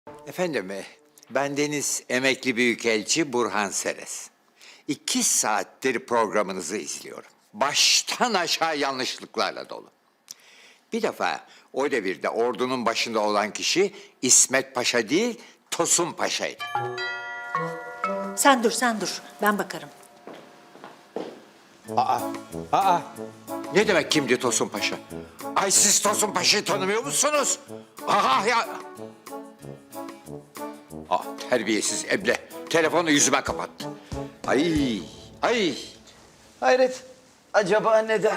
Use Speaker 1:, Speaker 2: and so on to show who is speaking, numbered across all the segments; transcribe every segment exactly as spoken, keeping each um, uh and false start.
Speaker 1: Efendim, e, bendeniz emekli büyükelçi Burhan Seres. İki saattir programınızı izliyorum. Baştan aşağı yanlışlıklarla dolu. Bir defa o devirde ordunun başında olan kişi İsmet Paşa değil, Tosun Paşa'ydı.
Speaker 2: Sen dur, sen dur. Ben bakarım.
Speaker 1: Aa, aa. Ne demek kimdi Tosun Paşa? Ay siz Tosun Paşa'yı tanımıyor musunuz? Aha ya. Ah, terbiyesiz eble. Telefonu yüzüme kapattı. Ay, ay.
Speaker 3: Hayret, acaba neden?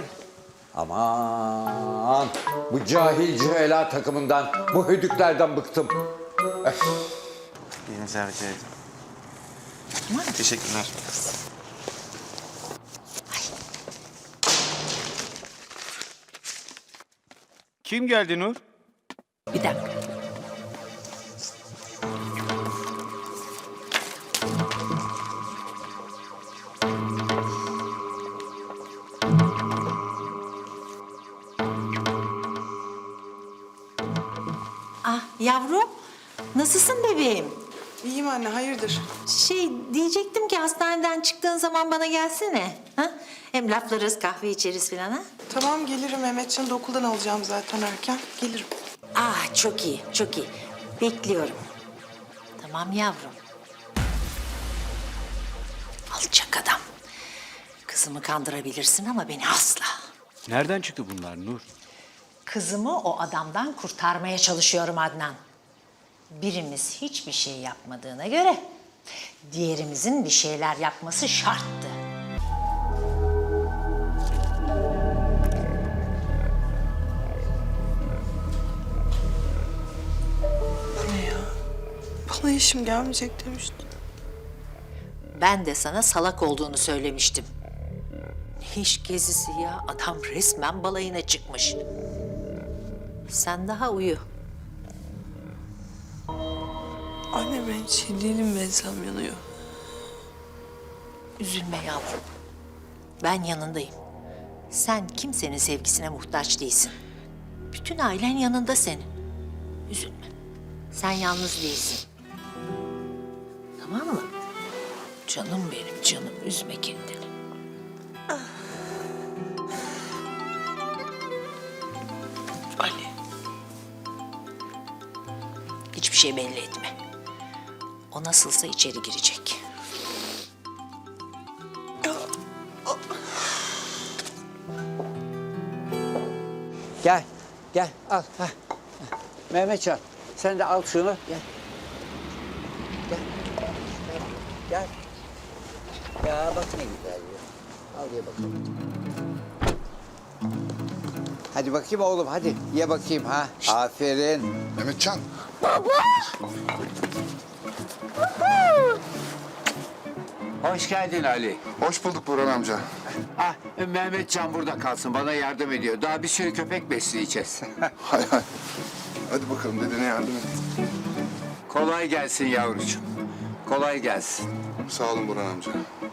Speaker 1: Aman, bu cahil cühela takımından, bu hüdüklerden bıktım. Öf.
Speaker 3: Yine rica ederim. Teşekkürler.
Speaker 4: Kim geldi Nur?
Speaker 2: Bir dakika. Ah yavrum, nasılsın bebeğim?
Speaker 5: İyiyim anne, hayırdır?
Speaker 2: Şey diyecektim ki hastaneden çıktığın zaman bana gelsene. Ha? Hem laflarız, kahve içeriz falan ha.
Speaker 5: Tamam gelirim, Mehmetcan'ı da okuldan alacağım zaten erken. Gelirim.
Speaker 2: Ah çok iyi, çok iyi. Bekliyorum. Tamam yavrum. Alçak adam. Kızımı kandırabilirsin ama beni asla.
Speaker 4: Nereden çıktı bunlar Nur?
Speaker 2: Kızımı o adamdan kurtarmaya çalışıyorum Adnan. Birimiz hiçbir şey yapmadığına göre diğerimizin bir şeyler yapması şarttı.
Speaker 5: Bu ne ya? Bana işim gelmeyecek demişti.
Speaker 2: Ben de sana salak olduğunu söylemiştim. Ne iş gezisi ya? Adam resmen balayına çıkmış. Sen daha uyu.
Speaker 5: Anne ben hiç iyi değilim, bensem yanıyor.
Speaker 2: Üzülme yavrum. Ben yanındayım. Sen kimsenin sevgisine muhtaç değilsin. Bütün ailen yanında senin. Üzülme. Sen yalnız değilsin. Tamam mı? Canım benim canım. Üzme kendini.
Speaker 5: Ali.
Speaker 2: Hiçbir şey belli etme. O nasılsa içeri girecek.
Speaker 1: Gel, gel al. Heh. Mehmetcan, sen de al şunu. Gel. Gel. Gel. Ya bak ne güzel ya. Al ye bakalım. Hadi bakayım oğlum, hadi. Ye bakayım ha. Aferin.
Speaker 6: Mehmetcan.
Speaker 1: Hoş geldin Ali.
Speaker 6: Hoş bulduk Burhan amca.
Speaker 1: Ah, Mehmetcan burada kalsın, bana yardım ediyor. Daha bir sürü köpek besleyeceğiz.
Speaker 6: Hay hay. Hadi bakalım dedene yardım et.
Speaker 1: Kolay gelsin yavrucuğum. Kolay gelsin.
Speaker 6: Sağ olun Burhan amca.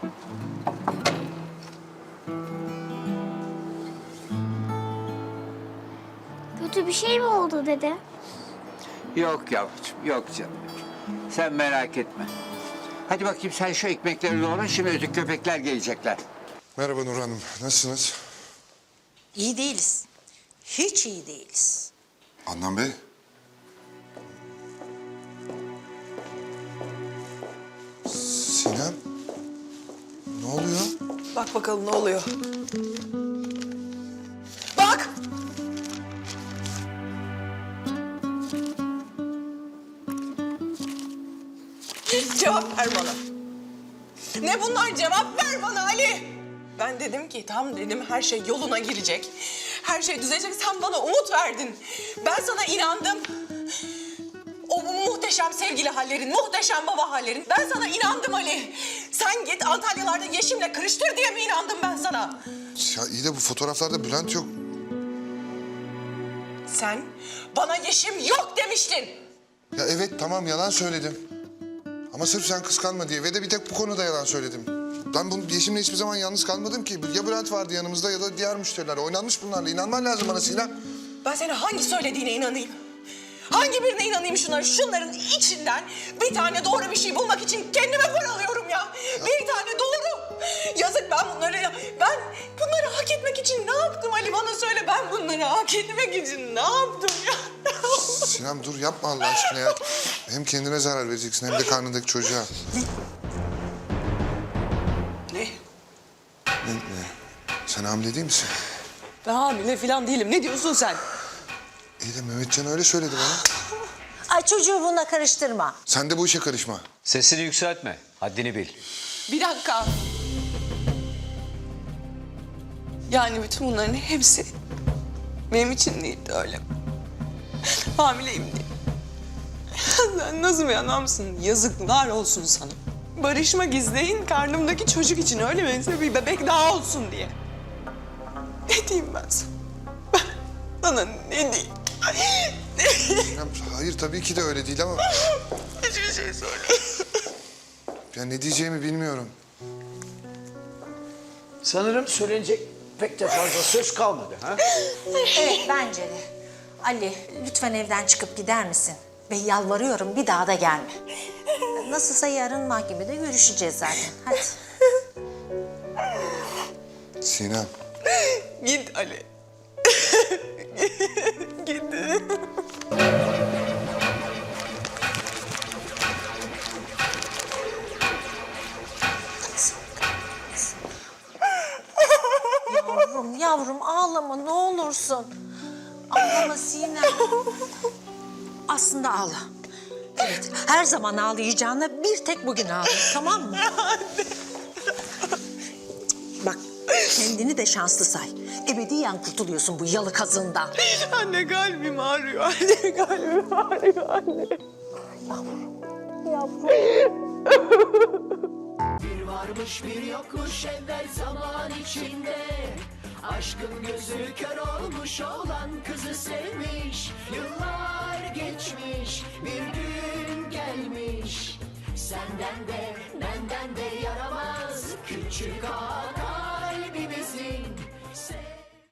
Speaker 7: Kötü bir şey mi oldu dede?
Speaker 1: Yok yavrucuğum, yok canım. Sen merak etme. Hadi bakayım sen şu ekmekleri doğra, şimdi öteki köpekler gelecekler.
Speaker 6: Merhaba Nur Hanım. Nasılsınız?
Speaker 2: İyi değiliz. Hiç iyi değiliz.
Speaker 6: Adnan Bey. Sinem. Ne oluyor?
Speaker 5: Bak bakalım ne oluyor. Bak! Cevap ver bana. Ne bunlar? Cevap ver bana Ali. Ben dedim ki tam dedim her şey yoluna girecek. Her şey düzelecek. Sen bana umut verdin. Ben sana inandım. O bu muhteşem sevgili hallerin, muhteşem baba hallerin. Ben sana inandım Ali. Sen git Antalyalarda Yeşim'le kırıştır diye mi inandım ben sana?
Speaker 6: Ya iyi de bu fotoğraflarda Bülent yok.
Speaker 5: Sen bana Yeşim yok demiştin.
Speaker 6: Ya evet tamam yalan söyledim. Ama sırf sen kıskanma diye ve de bir tek bu konuda yalan söyledim. Ben bunu Yeşim'le hiçbir zaman yalnız kalmadım ki. Ya Bülent vardı yanımızda ya da diğer müşteriler. Oynanmış bunlarla. İnanman lazım bana Sinem.
Speaker 5: Ben senin hangi söylediğine inanayım? Hangi birine inanayım şunları? Şunların içinden bir tane doğru bir şey bulmak için kendime paralıyorum ya. Bir tane doğru. Yazık ben bunları, ben bunları hak etmek için ne yaptım Ali bana söyle. Ben bunları hak etmek için ne yaptım ya?
Speaker 6: Sinem dur yapma Allah aşkına ya. Hem kendine zarar vereceksin hem de karnındaki çocuğa.
Speaker 5: Ne?
Speaker 6: Ne, ne? Sen hamile değil misin?
Speaker 5: Ben hamile falan değilim. Ne diyorsun sen?
Speaker 6: İyi de Mehmetcan öyle söyledi bana.
Speaker 2: Ay çocuğu bununla karıştırma.
Speaker 6: Sen de bu işe karışma.
Speaker 4: Sesini yükseltme. Haddini bil.
Speaker 5: Bir dakika. Yani bütün bunların hepsi benim için değildi öyle. Hamileyim diye. Sen nasıl bir adamsın? Yazıklar olsun sana. Barışmak izleyin karnımdaki çocuk için öyle mi? Bir bebek daha olsun diye. Ne diyeyim ben sana? Ben sana ne diyeyim?
Speaker 6: Sinem, hayır tabii ki de öyle değil ama...
Speaker 5: Hiçbir şey söyle.
Speaker 6: Ya ne diyeceğimi bilmiyorum.
Speaker 3: Sanırım söylenecek pek de fazla söz kalmadı ha?
Speaker 2: Evet bence de. Ali lütfen evden çıkıp gider misin? Ve yalvarıyorum bir daha da gelme. Nasılsa yarın mahkemede görüşeceğiz zaten. Hadi.
Speaker 6: Sinem.
Speaker 5: Git Ali. Git.
Speaker 2: Yavrum yavrum ağlama ne olursun. Ağlama Sinem. Aslında ağla. Evet her zaman ağlayacağına bir tek bugün ağla tamam mı? Bak kendini de şanslı say. Ebediyen kurtuluyorsun bu yalı kazığından.
Speaker 5: Anne kalbim ağrıyor. Anne kalbim ağrıyor anne.
Speaker 8: Bir varmış bir yokmuş evvel zaman içinde. Aşkın gözü kör olmuş olan kızı sevmiş. Yıllar geçmiş bir gün gelmiş. Senden de benden de yaramaz küçük ağa kalbimizin.